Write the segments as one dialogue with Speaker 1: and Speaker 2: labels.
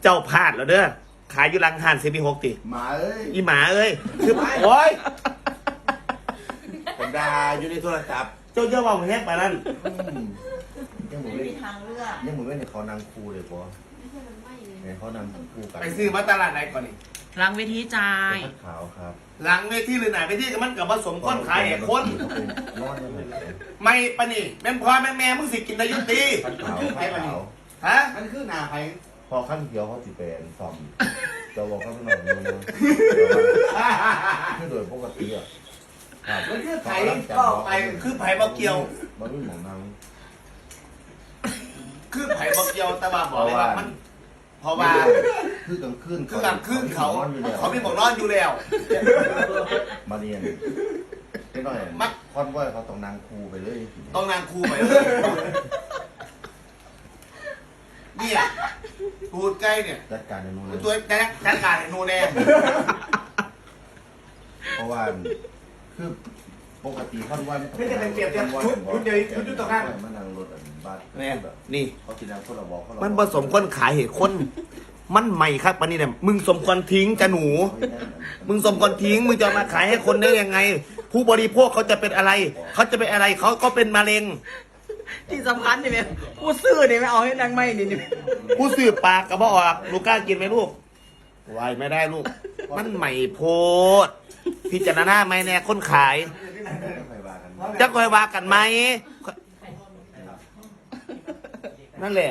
Speaker 1: เจ้าพลาดแล้วเด้อขายอยู่หลังห้านCP6ติ
Speaker 2: หมาเอ้ย
Speaker 1: อีหมาเอ้ยคือโอ้ย
Speaker 2: ผมด่าอยู่ในโทรศัพท์
Speaker 1: เจ้าเจ้าว่าแฮกไปนั่น
Speaker 2: ยังหมู
Speaker 3: ไม่
Speaker 2: เล่น
Speaker 3: มีทางเลือก
Speaker 2: ยังหมูเล่นในเขานางครูเลยปะในเขานำครูกัน
Speaker 1: ไปซื้อมาตลาดไหนก่อนนี่
Speaker 4: หลังเวทีจ่าย
Speaker 2: ผ้าขาวครับ
Speaker 1: หลังเวทีหรือไหนเวทีกับมันกับผสมคนขายแห่คน
Speaker 2: นอนยังไง
Speaker 1: ไม่ปะนี่แม่พ่อแม่มึงสิกินได้ยุติ
Speaker 2: ผ้าขาวผ้าขาว
Speaker 1: ฮะ
Speaker 3: มันคือหนาไผ
Speaker 2: พอขั้นเขียวเขาสิเป็นซอมจะบอกเขาไม่หน่อยนึงคือโดยปกติอ่ะ
Speaker 1: มันคือไผ่ก็ไปคือไผ่บ่เกี่ยว
Speaker 2: มันไม่หมองนาง
Speaker 1: คือไผ่บ่เกี่ยวแต่ว่าบอกเลยว่ามันเพราะว่า
Speaker 2: คือกลางคืน
Speaker 1: คือกลางคืนเขาไม่บอกนอนอยู่แล้ว
Speaker 2: มาเรียนไม่น้อยคอนว่าเขาต้องนางครูไปเลย
Speaker 1: ต้องนางครูไปเลยเนี่ยตูดใกล้เนี่ย
Speaker 2: จัดการในนู้นเลย
Speaker 1: ตัวแจ๊กการเห็นนูแน่
Speaker 2: เพราะว่าคือปกติเขาว่า
Speaker 1: ไม่จะเป็นเปรียบเทียบชุดเดียวชุดต่อกัน
Speaker 2: มันนั่งรถบ้าน
Speaker 1: แน่นี่
Speaker 2: เขากินน้ำคนละบอกเขา
Speaker 1: มันผสมคนขายเหตุคน มันใหม่ครับปะนี่เนี่ยมึงสมควรทิ้งจะหนู มึงสมควรทิ้งมึงจะมาขายให้คนได้ยังไง ผู้บริโภคเขาจะเป็นอะไร เขาจะเป็นอะไรเขาก็เป็นมะเร็ง
Speaker 4: ที่สำคัญนี่แม่ผู้ซื้อนี่ไม่เอาให้นางไม่นี่
Speaker 1: ผู้สืบปากกับบ่ออกลูกกล้ากินไหมลูกวายไม่ได้ลูก มันใหม่โพดพิจารณาไหมแน่คนขาย จะคอยว่ากันไหมนั่นแหละ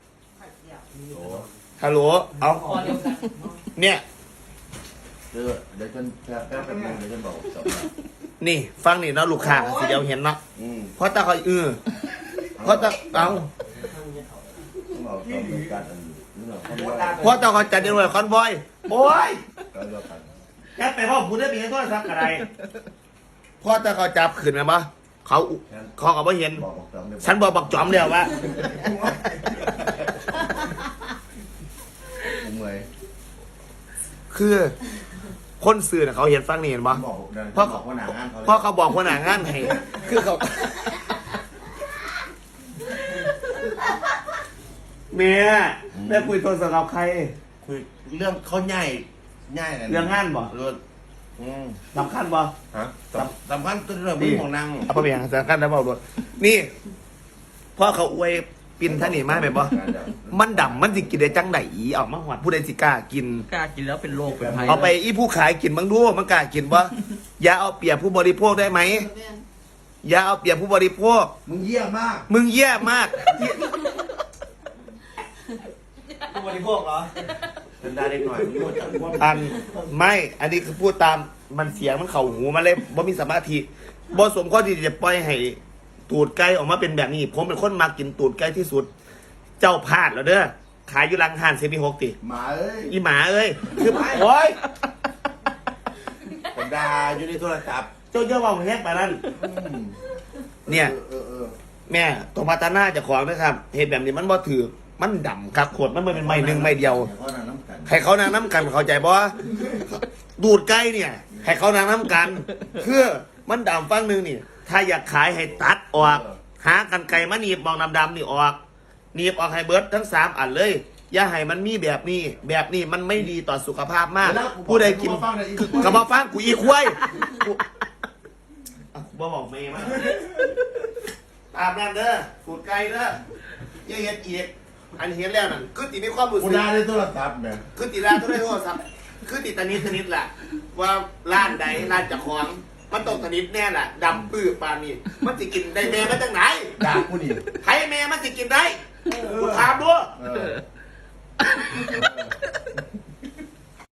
Speaker 1: ฮัลโหลเอาเนี่ย
Speaker 2: เดี๋ยวฉันแป๊บนึงเดี๋ยวฉันบอกจบ
Speaker 1: นี่ฟังนี่เนาะลูกค้าสิเดียวเห็นเนาะ เพราะตาคอยเพราะตาเอา
Speaker 2: บอกจบในการอันนี้เนาะเขาว่า
Speaker 1: เพราะตาคอยจัดเดี๋ยวเลยคอนบอยโอ้ย
Speaker 2: ก็เลือกกัน
Speaker 1: แกไปพ่อพูดได้มีโทรศัพท์อะไรเพราะตาคอยจับขึ้นมาปะเขาก็ไม่เห็น
Speaker 2: บอกจบเลย
Speaker 1: ฉันบอกจอมเดียวว่า
Speaker 2: ผมเมื่อย
Speaker 1: คือคนสื่อน่ะเขาเห็นฟังนี่เห็นปะ
Speaker 2: บอก
Speaker 1: เพราะ
Speaker 2: บอกว่าหนางานเขา
Speaker 1: เพราะเขาบอกคนหนางานให้คือเขาเมียแม่คุยโทรศัพท์กับใคร
Speaker 2: คุยเรื่องเขาง่ายง่าย
Speaker 1: เรื่องงานบ่
Speaker 2: เรื่อง
Speaker 1: สำคัญบ่
Speaker 2: ฮะสำคัญตัวเรื่องของนาง
Speaker 1: เอาไปเพียงสำคัญนะบอกด้วยนี่พ่อเขาอวยปินท่านนี่มาแบบบ่มันดำมันสิกินได้จังไหนออกมาหอดผู้ใดสิกล้ากิน
Speaker 4: กล้ากินแล้วเป็นโรคเป็นภัย
Speaker 1: เอาไปอีผู้ขายกินบ้างดูมันกล้ากินบ่อย่าเอาเปรียบผู้บริโภคได้ไหมอย่าเอาเปรียบผู้บริโภค
Speaker 2: มึงเยี่ยมมาก
Speaker 1: มึงแย่มากผู้บริโภคเหรอ
Speaker 2: เป็นได้เล็กหน่อยมึงรู้จักว่า
Speaker 1: อันไม่อันนี้คือพูดตามมันเสียงมันเข่าหูมาเลยบ่มีสมาธิบ่สมข้อที่จะปล่อยให้ตูดไก่ออกมาเป็นแบบนี้ ผมเป็นคนมากินตูดไก่ที่สุด เจ้าพลาดแล้วเด้อขายอยู่หลังห้านCP6ติ
Speaker 2: หมาเอ้ย
Speaker 1: อีหมาเอ้ยคือโอ้ย
Speaker 2: ผมด่าอยู่ในโทรศัพท์
Speaker 1: เจ้าเจ้าว่าแฮกไปนั่นเนี่ย แม่ตัวพัฒนาเจะของนะครับเห็นแบบนี้มันบ่ถือมันดำครับขวดมันเป็นไม้หนึ่งไม้เดียว ให้เขานางน้ำกันเข้าใจบ่ดูดไก่เนี่ย ให้เขานางน้ำกันคือมันดำฟังหนึ่งนี่ ถ้าอยากขายให้ตัดออก หากันไก่มาหนีบมองดำๆนี่ออกหนีบออกให้เบิร์ดทั้ง3อันเลย อย่าให้มันมีแบบนี้ แบบนี้มันไม่ดีต่อสุขภาพมาก ผู้ใดกินกระเพาะฟังกูอีควายบ่บอกเมย์มาตามนั่นเด้อดูดไก่เด้ออย่าเห็ดอีกอันเห็นแล้วนั่นคือติมีความรู้สึ
Speaker 2: กู
Speaker 1: ก
Speaker 2: ด่าในโทรศัพท์เนี่ย
Speaker 1: คือติดร้านต้องได้โทรศัพท์คือติดตะนิดแหละว่าร้านใดร้านเจะของมันต้องตะนิดแน่แหละดำปื้อปานนี้มันจะกินได้แม่มาจากไหน
Speaker 2: ด่ากูนี่
Speaker 1: ใครแม่มันจะกินได้กูถามด้วย